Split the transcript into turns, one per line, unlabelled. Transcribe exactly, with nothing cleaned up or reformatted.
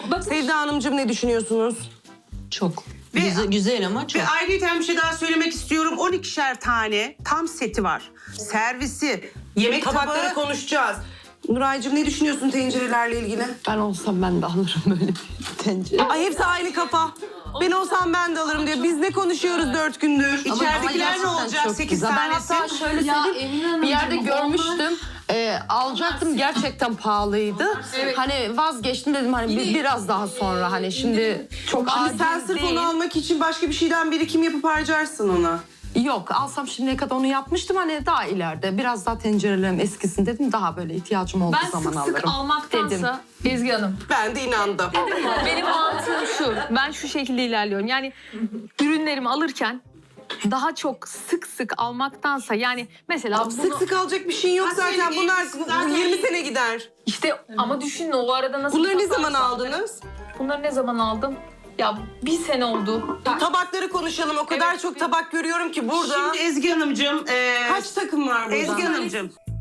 Sevda Hanımcığım ne düşünüyorsunuz?
Çok.
Ve-
güzel, güzel ama çok.
Ve ayrıca bir şey daha söylemek istiyorum. on ikişer tane tam seti var. Servisi, yemek
Tabakları
tabağı.
konuşacağız. Nuraycığım ne düşünüyorsun tencerelerle ilgili?
Ben olsam ben de alırım böyle bir tencere.
Ay hepsi aynı kafa. Ben olsam ben de alırım diyor. Biz ne konuşuyoruz dört gündür?
İçeridekiler ne olacak? Sekiz
Ben
tanesi.
hatta şöyle söyleyeyim, bir yerde görmüştüm. Ee, alacaktım, gerçekten pahalıydı. Hani vazgeçtim, dedim hani bir, biraz daha sonra, hani şimdi çok
Şimdi
acil
sen sırf
değil.
onu almak için başka bir şeyden birikim yapıp harcarsın ona.
Yok, alsam şimdiye kadar onu yapmıştım, hani daha ileride biraz daha tencerelerim eskisin dedim, daha böyle ihtiyacım olduğu
Ben
zaman
sık
alırım.
sık almaktansa Ezgi Hanım,
Ben de inandım.
benim mantığım şu. Ben şu şekilde ilerliyorum. Yani ürünlerimi alırken daha çok sık sık almaktansa, yani mesela bunu,
Sık sık alacak bir şeyin yok
Ha,
zaten.
senin
Bunlar
elbise zaten-
yirmi sene gider.
işte ama düşünün o arada nasıl...
Bunları ne
tasarruf
zaman
sağlarım.
aldınız?
Bunları ne zaman aldım? Ya bir sene oldu.
Tabakları konuşalım. O kadar
Evet,
çok
bir-
tabak görüyorum ki burada.
Şimdi Ezgi Hanımcığım. E,
Kaç takım var burada?
Ezgi Hanımcığım.